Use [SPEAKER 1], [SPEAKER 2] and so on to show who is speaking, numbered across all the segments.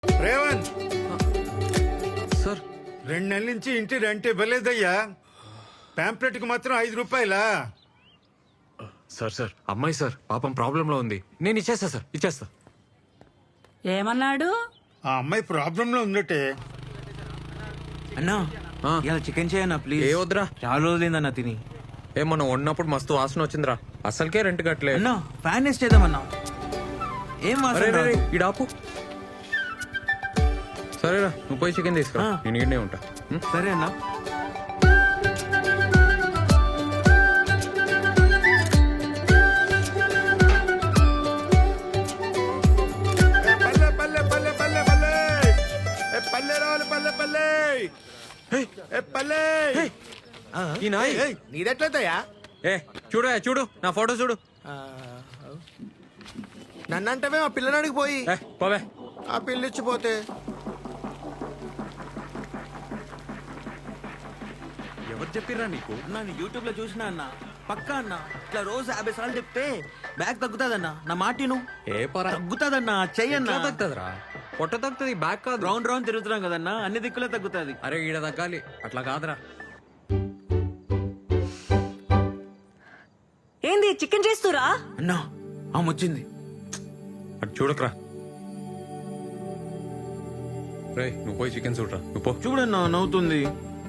[SPEAKER 1] Revanth,
[SPEAKER 2] sir
[SPEAKER 1] 2 నెలల నుంచి ఇంటి రెంట్ ఇవ్వలేదయ్యా. పాంప్లెట్ కి మాత్రం 5 రూపాయలా?
[SPEAKER 2] సార్ సార్ అమ్మాయి సార్ పాపం ప్రాబ్లంలో ఉంది. నేను ఇచ్చేస్తా సార్, ఇచ్చేస్తా.
[SPEAKER 3] ఏమన్నాడు?
[SPEAKER 1] ఆ అమ్మాయి ప్రాబ్లం లో ఉందటే.
[SPEAKER 4] అన్నా
[SPEAKER 2] ఆ.
[SPEAKER 4] ఇలా చికెన్ చేయన్నా ప్లీజ్.
[SPEAKER 2] ఏ వద్దురా.
[SPEAKER 4] చాలా రోజులైందన్నా తిని.
[SPEAKER 2] ఏ మనం వండినప్పుడు మస్తు వాసన వచ్చిందిరా. అసలుకే రెంట్ కట్టలే.
[SPEAKER 4] అన్నా ఫ్యాన్ వేస్ట్ చేద్దామన్నా. ఏం
[SPEAKER 2] అరే
[SPEAKER 4] వాసన
[SPEAKER 2] రే, రే,
[SPEAKER 4] రాదు.
[SPEAKER 2] ఈడ ఆపు. సరేరా నువ్వు పోయి చికెన్ తీసుకురా,
[SPEAKER 4] ఆ.
[SPEAKER 2] నేను ఈడనే ఉంటా.
[SPEAKER 4] సరే అన్నా.
[SPEAKER 1] పల్లె పల్లె పల్లె పల్లె పల్లె పల్లె రావాలి పల్లె పల్లె పల్లె.
[SPEAKER 2] ఈ నాయ్
[SPEAKER 5] నీదెట్లయితయా?
[SPEAKER 2] ఏ చూడు చూడు నా ఫోటో చూడు.
[SPEAKER 5] నన్నంటవే మా పిల్లనాడికి పోయి
[SPEAKER 2] ఏ పోవే.
[SPEAKER 5] ఆ పిల్లిచ్చిపోతే
[SPEAKER 2] ఎవరు చెప్పిర్రా నీకు?
[SPEAKER 4] అన్నా నేను యూట్యూబ్ లో చూసినా అన్నా. పక్కా అన్నా ఇట్లా రోజు 50 సార్లు చెప్తే బ్యాగ్ తగ్గుతాదన్నా. నా మాటిను
[SPEAKER 2] ఏ పరా
[SPEAKER 4] తగ్గుతాదన్నా. చెయ్యన్నా.
[SPEAKER 2] తగ్గుతుందిరా, పొట్ట తగ్గుతుంది, బ్యాక్ కాదు.
[SPEAKER 4] రౌండ్ రౌండ్ తిరుగుతున్నాం కదన్నా, అన్ని దిక్కులే తగ్గుతాది.
[SPEAKER 2] అరే ఈడ తగ్గాలి, అట్లా కాదురా.
[SPEAKER 3] ఏంది చికెన్ చేస్తురా?
[SPEAKER 4] అన్నా ఆమె వచ్చింది.
[SPEAKER 2] అటు చూడకరా. రే నువ్వు పోయి చికెన్ చూడరా, నువ్వు పో.
[SPEAKER 4] చూడన్నా నవ్వుతుంది.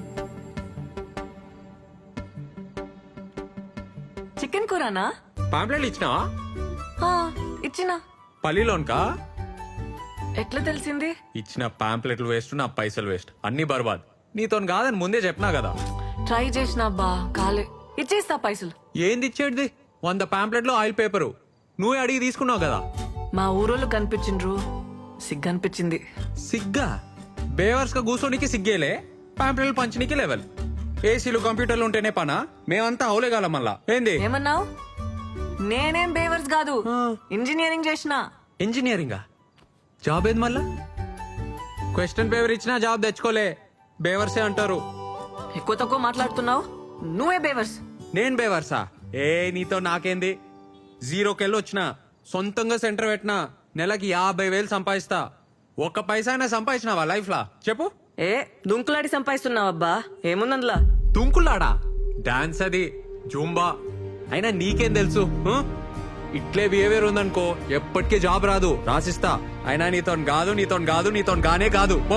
[SPEAKER 3] చికెన్ కూరనా?
[SPEAKER 2] పాంప్లెట్లు ఇచ్చినావా?
[SPEAKER 3] ఆ, ఇచ్చినా.
[SPEAKER 2] పల్లిలోన్కా?
[SPEAKER 3] ఎట్లా తెలిసింది?
[SPEAKER 2] ఇచ్చిన పాంప్లెట్లు వేస్ట్, నా పైసలు వేస్ట్, అన్ని బర్బాద్. నీతో కాదని ముందే చెప్పినా కదా.
[SPEAKER 3] ట్రై చేసినా బా కాలే. ఇచ్చేస్తా పైసలు.
[SPEAKER 2] ఏంది ఇచ్చేటిది? 100 పాంప్లెట్లు ఆయిల్ పేపరు నువ్వే అడిగి తీసుకున్నావు కదా.
[SPEAKER 3] మా ఊరోళ్ళు కనిపించిండ్రు, సిగ్గనిపించింది.
[SPEAKER 2] సిగ్గా? బేవర్స్ గా కూర్చోనికి సిగ్గేలే, పాంప్లెట్లు పంచనీకి లెవెల్. ఏసీలు కంప్యూటర్లు ఉంటేనే పనా? మేమంతా అవులేగాల మళ్ళా. ఏంది
[SPEAKER 3] ఏమన్నావు? నేనేం బేవర్స్ కాదు, ఇంజనీరింగ్ చేసిన.
[SPEAKER 2] ఇంజనీరింగా? జాబ్ ఏది మళ్ళా? క్వశ్చన్ పేపర్ ఇచ్చినా జాబ్ తెచ్చుకోలే, బేవర్సే అంటారు.
[SPEAKER 3] ఎక్కువ తక్కువ మాట్లాడుతున్నావు, నువ్వే బేవర్స్.
[SPEAKER 2] నేను బేవర్సా? ఏ నీతో నాకేంది? 0కెళ్ళి వచ్చినా, సొంతంగా సెంటర్ పెట్టినా, నెలకి 50,000 సంపాదిస్తా. ఒక్క పైసా అయినా సంపాదించినావా లైఫ్ లా చెప్పు?
[SPEAKER 3] ఏ దుంకులాడి సంపాదిస్తున్నావు అబ్బా, ఏముందందులా?
[SPEAKER 2] తుంకులాడా? డాన్స్ అది, జూంబా. అయినా నీకేం తెలుసు? ఇట్లే బిహేవియర్ ఉందనుకో ఎప్పటికీ జాబ్ రాదు, రాసిస్తా. అయినా నీతో కాదు, నీతో కాదు, నీతో గానే కాదు, పో.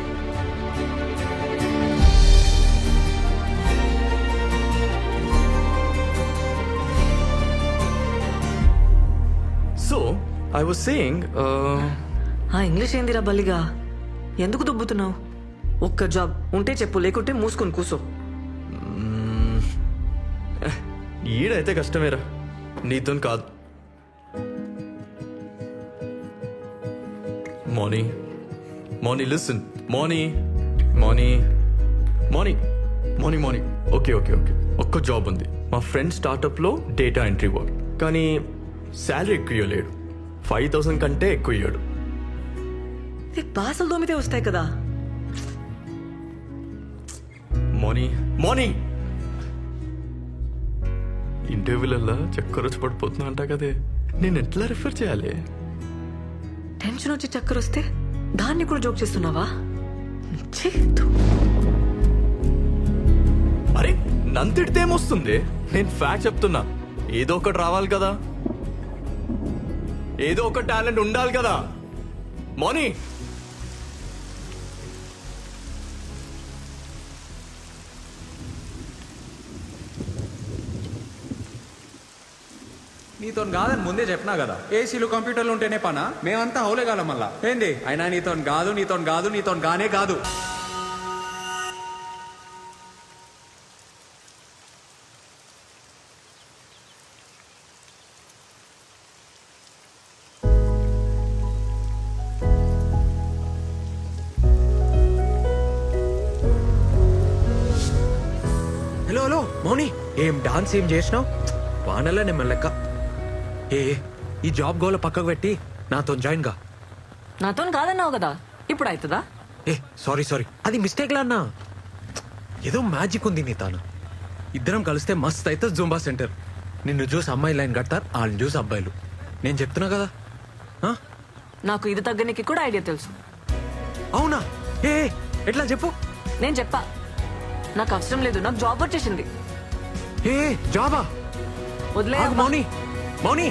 [SPEAKER 6] So, I was saying,
[SPEAKER 3] ఆ ఇంగ్లీష్ ఏందిరా బల్లిగా? ఎందుకు దుబ్బుతున్నావు? ఒక్క జాబ్ ఉంటే చెప్పు, లేకుంటే మూసుకొని కూసో.
[SPEAKER 6] ఈడైతే కష్టమేరా, నీతో కాదు. Moni, Moni listen, Moni, Moni, Moni, Moni, Moni. Okay okay okay, ఒక్క జాబ్ ఉంది. మా ఫ్రెండ్ స్టార్టప్లో డేటా ఎంట్రీ వర్క్, కానీ శాలరీ ఎక్కువ ఇవ్వలేడు. 5,000 కంటే ఎక్కువ ఇయ్యాడు.
[SPEAKER 3] బాసలు దోమితే వస్తాయి కదా.
[SPEAKER 6] మోనీ, మోనీ, ఇంటర్వ్యూలల్లా చక్కర వచ్చి పడిపోతున్నా అంట కదే, నేను ఎట్లా రిఫర్ చేయాలి?
[SPEAKER 3] టెన్షన్ వచ్చి చక్కర వస్తే దాన్ని కూడా జోక్ చేస్తున్నావా? ఛీ, ధూ.
[SPEAKER 6] అరే నంతిడితే ఏమొస్తుంది? నేను ఫ్యాక్ట్ చెప్తున్నా. ఏదో ఒకటి రావాలి కదా, ఏదో ఒక టాలెంట్ ఉండాలి కదా. మోనీ,
[SPEAKER 2] నీతో కాదని ముందే చెప్పినా కదా. ఏసీలు కంప్యూటర్లు ఉంటేనే పనా? మేమంతా అవులేగాల మళ్ళా. ఏంది? అయినా నీతో కాదు, నీతో కాదు, నీతో గానే కాదు. హలో హలో మౌని, ఏం డాన్స్ ఏం చేసినావు? వానల్లా నేను లెక్క. ఏ ఈ జాబ్ గోల పక్కకు పెట్టి నాతో జాయిన్ గా.
[SPEAKER 3] నాతో కాదన్నావు కదా, ఇప్పుడు అవుతుందా?
[SPEAKER 2] ఏ సారీ సారీ, అది మిస్టేక్ లా అన్నా. ఏదో మ్యాజిక్ ఉంది నీ తాను. ఇద్దరం కలిస్తే మస్త్ అయితే జూంబా సెంటర్. నిన్ను చూసి అమ్మాయి లైన్ కడతారు, వాళ్ళని చూసి అబ్బాయిలు. నేను చెప్తున్నా కదా.
[SPEAKER 3] నాకు ఇది తగ్గనికి కూడా ఐడియా తెలుసు.
[SPEAKER 2] అవునా? ఏ ఎట్లా చెప్పు.
[SPEAKER 3] నేను చెప్పా నాకు అవసరం లేదు, నాకు జాబ్ వచ్చేసింది.
[SPEAKER 2] ఏ జాబా?
[SPEAKER 3] వదిలే
[SPEAKER 2] ఆగు, మౌని మౌని.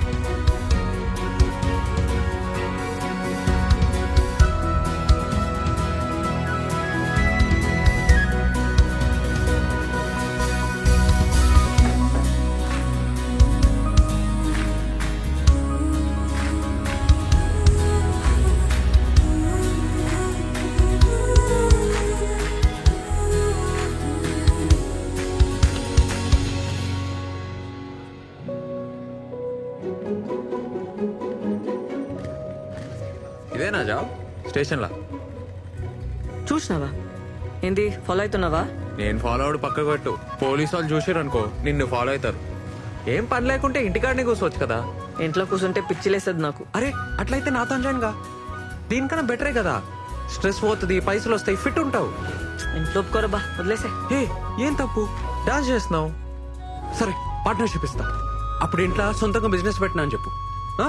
[SPEAKER 2] ఇదేనా జాబ్? స్టేషన్లా
[SPEAKER 3] చూసినావా? ఏంది ఫాలో అవుతున్నావా?
[SPEAKER 2] నేను ఫాలో అవడు పక్కకు పెట్టు. పోలీసు వాళ్ళు చూసారు అనుకో నిన్ను ఫాలో అవుతారు. ఏం పని లేకుంటే ఇంటికాడనే కూర్చోవచ్చు కదా.
[SPEAKER 3] ఇంట్లో కూర్చుంటే పిచ్చిలేస్తుంది నాకు.
[SPEAKER 2] అరే అట్లయితే నాతో జాయిన్ గా. దీనికన్నా బెటరే కదా. స్ట్రెస్ పోతుంది, పైసలు వస్తాయి, ఫిట్ ఉంటావు.
[SPEAKER 3] ఇంట్లో ఒప్పుకోరబ్బా, వదిలేసే.
[SPEAKER 2] ఏ ఏం తప్పు? డాన్స్ చేస్తున్నావు, సరే పార్ట్నర్షిప్ ఇస్తా. అప్పుడు ఇంట్లో సొంతంగా బిజినెస్ పెట్టినా అని చెప్పు. ఆ?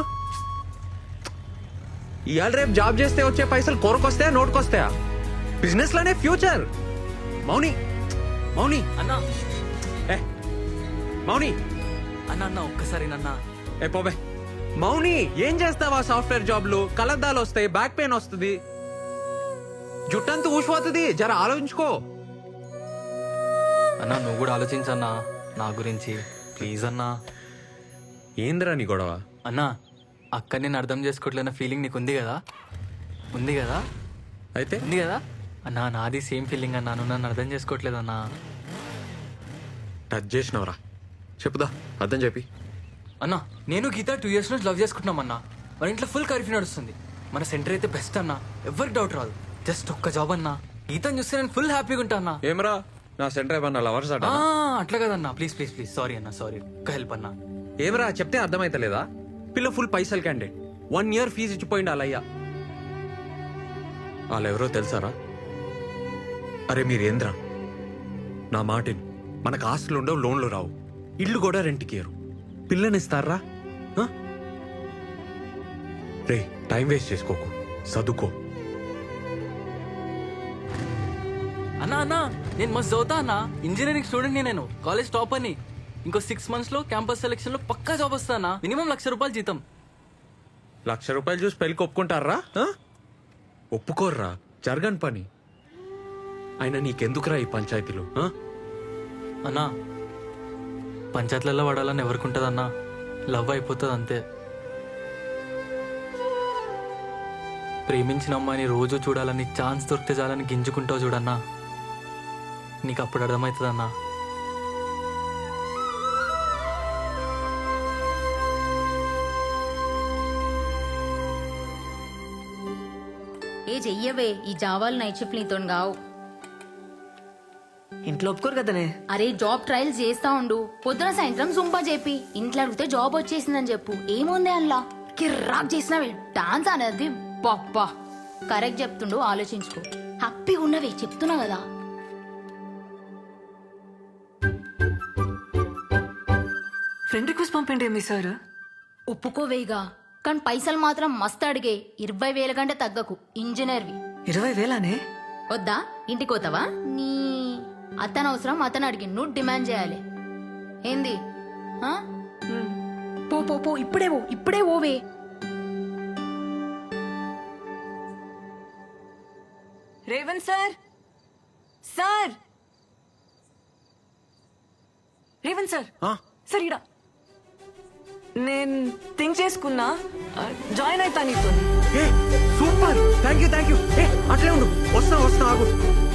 [SPEAKER 2] ఇవాళ రేపు జాబ్ చేస్తే వచ్చే పైసలు కొరకొస్తాయా నోటుకొస్తాయా? బిజినెస్ లోనే ఫ్యూచర్. మౌని మౌని
[SPEAKER 4] అన్నా
[SPEAKER 2] ఏ మౌని
[SPEAKER 4] అన్న అన్న ఒక్కసారి నన్న
[SPEAKER 2] ఏ పోబే. మౌని ఏం చేస్తావా? సాఫ్ట్వేర్ జాబ్లు కలద్దాలు వస్తాయి, బ్యాక్ పెయిన్ వస్తుంది, జుట్టంతా ఊసిపోతుంది. జర ఆలోచించుకో.
[SPEAKER 7] అన్నా నువ్వు కూడా ఆలోచించన్నా నా గురించి ప్లీజ్ అన్నా.
[SPEAKER 2] ఏందిరా నీ గొడవ?
[SPEAKER 7] అన్నా అక్క నేను అర్థం చేసుకోవట్లేన ఫీలింగ్ నీకు ఉంది కదా? ఉంది కదా?
[SPEAKER 2] అయితే
[SPEAKER 7] ఉంది కదా అన్నా? నాది సేమ్ ఫీలింగ్ అన్నా, నువ్వు నన్ను అర్థం చేసుకోవట్లేదన్నా.
[SPEAKER 2] టచ్ చేసినవరా? చెప్పుదా, అర్థం చెప్పి.
[SPEAKER 7] అన్నా నేను గీత 2 years నుంచి లవ్ చేసుకుంటున్నామన్నా. మన ఇంట్లో ఫుల్ కర్ఫ్యూ నడుస్తుంది. మన సెంటర్ అయితే బెస్ట్ అన్నా, ఎవరికి డౌట్ రాదు. జస్ట్ ఒక్క జాబ్ అన్నా. గీతను చూస్తే నేను ఫుల్ హ్యాపీగా ఉంటా అన్నా.
[SPEAKER 2] ఏమరా నా సెంటర్ ఏమన్నా లవర్స్ అట?
[SPEAKER 7] అట్లా కదన్నా, ప్లీజ్ ప్లీజ్ ప్లీజ్. సారీ అన్నా, సారీ. ఒక్క హెల్ప్ అన్నా.
[SPEAKER 2] ఏమరా చెప్తే అర్థమైతలేదా? పిల్ల ఫుల్ పైసలు క్యాండిడేట్, 1 year ఫీజు ఇచ్చిపోయింది అలయ్యా. వాళ్ళెవరో తెలుసారా? అరే మీరేంద్రా, నా మాటిని. మనకు ఆస్తులు ఉండవు, లోన్లు రావు, ఇల్లు కూడా రెంట్కి ఇయ్యరు. పిల్లనిస్తారా? రే టైం వేస్ట్ చేసుకోకు, చదువుకో.
[SPEAKER 7] అన్నా అన్నా నేను మస్తు చదువుతా అన్నా. ఇంజనీరింగ్ స్టూడెంట్ నేను, కాలేజ్ టాప్ అని. ఇంకో 6 months లో క్యాంపస్ సెలెక్షన్ లో పక్కా జాబ్ వస్తానా. మినిమం ₹1,00,000 జీతం.
[SPEAKER 2] ₹1,00,000 చూసి పెళ్ళికి ఒప్పుకుంటారా? ఒప్పుకోర్రా, జరగని పని. అయినా నీకెందుకురా ఈ పంచాయతీలు?
[SPEAKER 7] అన్నా పంచాయతీలలో పడాలని ఎవరికి అన్నా? లవ్ అయిపోతుంది అంతే. ప్రేమించిన అమ్మాయిని రోజు చూడాలని, ఛాన్స్ దొరికితే చాలని గింజుకుంటావు చూడన్నా. నీకు అప్పుడు అర్థమవుతుందన్నా.
[SPEAKER 8] ఏ చెయ్యవే, ఈ జావాలు నైట్ షిఫ్ట్ నీతో గావు.
[SPEAKER 3] ఇంట్లో ఒప్పుకోరు కదనే.
[SPEAKER 8] అరే జాబ్ ట్రయల్స్ చేస్తా ఉండు, పొద్దున సాయంత్రం జుంపా చెప్పి ఇంట్లో అడిగితే జాబ్ వచ్చేసిందని చెప్పు. ఏముంది అందులో? కిర్రాక్ చేసినవే డాన్స్ అనేది. పప్పా కరెక్ట్ చెప్తుండు, ఆలోచించుకో. హ్యాపీగా ఉన్నవే చెప్తున్నా కదా.
[SPEAKER 3] ఫ్రెండ్ రిక్వెస్ట్ పంపండి మీ సార్.
[SPEAKER 8] ఒప్పుకోవేగా, కానీ పైసలు మాత్రం మస్తు అడిగే. 20,000 కంటే తగ్గకు. ఇంజనీర్వి.
[SPEAKER 3] 20,000నే?
[SPEAKER 8] వద్దా? ఇంటికి పోతావా? నీ అతను అవసరం అతను అడిగి నువ్వు డిమాండ్ చేయాలి. ఏంది? ఆ? పో పో పో, ఇప్పుడే పో, ఇప్పుడే ఓవే.
[SPEAKER 3] Revanth sir, sir, Revanth sir, sir ఇడా. నేను థింక్ చేసుకున్నా, జాయిన్ అవుతా నీతో.
[SPEAKER 2] ఏ సూపర్, థ్యాంక్ యూ. ఏ అట్లే ఉండు, వస్తా ఆగు.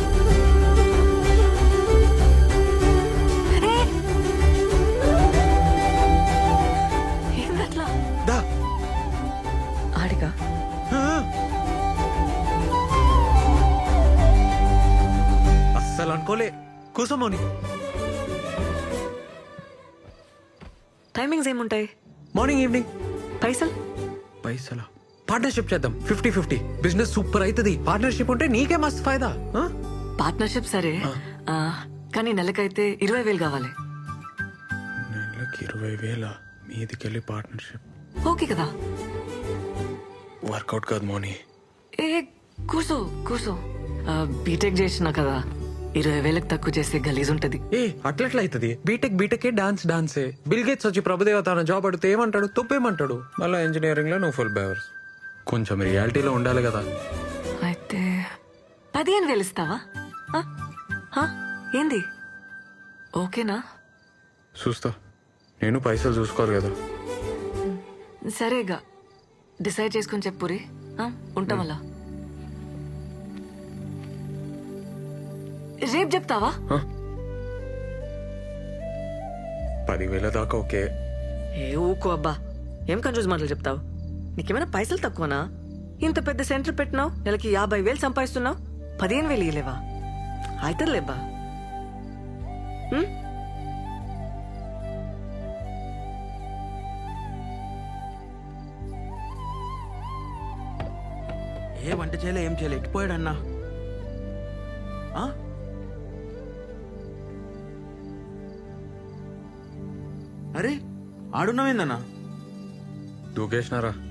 [SPEAKER 3] ఏందట్లా?
[SPEAKER 2] దా.
[SPEAKER 3] ఆడిగా
[SPEAKER 2] అస్సలు అనుకోలే. కూసోమోని.
[SPEAKER 3] టైమింగ్స్ ఏముంటాయి?
[SPEAKER 2] Morning evening.
[SPEAKER 3] పైసలా?
[SPEAKER 2] పార్ట్నర్షిప్ చేద్దాం, 50-50. బిజినెస్ సూపర్ అవుతుంది. పార్ట్నర్షిప్ ఉంటే నీకే మస్తు ఫైదా.
[SPEAKER 3] పార్ట్నర్షిప్ సరే, కానీ నెలకైతే 20,000 కావాలి.
[SPEAKER 1] నెలకి 20,000 మీదికెళ్ళి పార్ట్నర్షిప్
[SPEAKER 3] ఓకే కదా?
[SPEAKER 1] వర్కౌట్ కాదు మోని.
[SPEAKER 3] ఏ కూర్చో కూర్చో బీటెక్ చేసిన కదా 20,000 తక్కువ చేస్తే గలీజ్ ఉంటది.
[SPEAKER 2] ఏ అట్లెట్లా అవుతుంది? బీటెక్ డాన్సే. బిల్ గేట్స్ వచ్చి ప్రభుదేవ తన జాబ్ అడిగితే ఏమంటాడు? తొప్పేమంటాడు? మళ్ళీ ఇంజనీరింగ్ లో నువ్వు ఫుల్ బేవర్స్. కొంచెం రియాలిటీలో ఉండాలి కదా.
[SPEAKER 3] అయితే 15,000 ఇస్తావా? ఆ? ఆ? ఏంది ఓకేనా?
[SPEAKER 2] చూస్తా, నేను పైసలు చూసుకోవాలి కదా.
[SPEAKER 3] సరేగా డిసైడ్ చేసుకొని చెప్పురి. ఉంటాం అలా. రేపు చెప్తావా?
[SPEAKER 2] 10,000 దాకా ఓకే.
[SPEAKER 3] ఏ ఊకో అబ్బా, ఏం కన్ఫ్యూజ్ మాటలు చెప్తావు? నీకేమైనా పైసలు తక్కువనా? ఇంత పెద్ద సెంటర్ పెట్టినావు, నెలకి 50,000 సంపాదిస్తున్నావు, 15,000 ఇయ్యలేవా? అవుతుందిలేబ్బా.
[SPEAKER 4] ఏ వంట చేయలే, ఏం చేయలే, ఎట్టిపోయాడన్నా? ఆ? అరే ఆడున్నావేందన్నా?
[SPEAKER 2] దూకేసినారా?